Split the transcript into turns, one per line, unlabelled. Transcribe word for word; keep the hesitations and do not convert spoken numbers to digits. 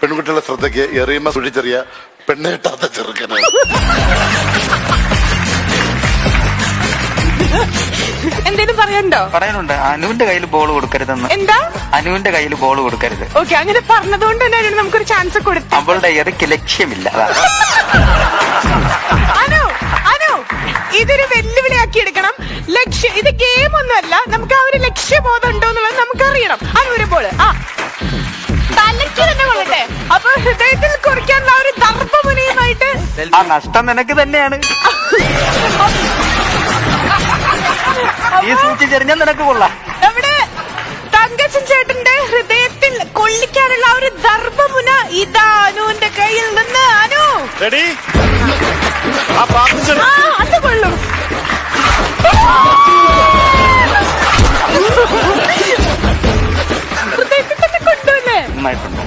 പെൺകുട്ടികളുടെ ശ്രദ്ധയ്ക്ക് എറിയുമ്പോ സുഴിച്ചെറിയ പെണ്ണേട്ടാത്ത ചെറുക്കനാണ്.
എന്തേലും പറയണ്ടോ?
പറയാനുണ്ട്. അനുവിന്റെ കയ്യിൽ ബോൾ കൊടുക്കരുതെന്ന്.
എന്താ?
അനുവിന്റെ കയ്യിൽ ബോൾ കൊടുക്കരുത്.
ഓക്കെ, അങ്ങനെ പറഞ്ഞതുകൊണ്ട് തന്നെ നമുക്കൊരു ചാൻസ് കൊടുത്തു.
അവളുടെ എറിക്ക് ലക്ഷ്യമില്ല.
അനു അനു ഇതൊരു വെല്ലുവിളിയാക്കി എടുക്കണം. ലക്ഷ്യം ഇത് ഗെയിം ഒന്നുമല്ല. നമുക്ക് ആ ഒരു ലക്ഷ്യബോധം ഉണ്ടോ എന്നുള്ളത് നമുക്കറിയണം. അനു ഒരു ബോള് ആ തലയ്ക്ക് തന്നെ കൊള്ളട്ടെ. അപ്പൊ ഹൃദയത്തിൽ കുറിക്കാനുള്ള ഒരു ദർഭമുനയുമായിട്ട്
ആ നഷ്ടം നിനക്ക് തന്നെയാണ്. ഈ സൂക്ഷിച്ചെറിഞ്ഞാൽ നിനക്ക് കൊള്ളാം.
നമ്മുടെ തങ്കച്ചൻ ചേട്ടന്റെ ഹൃദയത്തിൽ കൊള്ളിക്കാനുള്ള ആ ഒരു ദർഭമുന ഇതാ അനുവിന്റെ കയ്യിൽ നിന്ന്. അനു
റെഡി?
ആ അത് കൊള്ളും. ഹൃദയത്തിൽ തന്നെ കൊണ്ടുവല്ലേ?
നന്നായിട്ടുണ്ട്.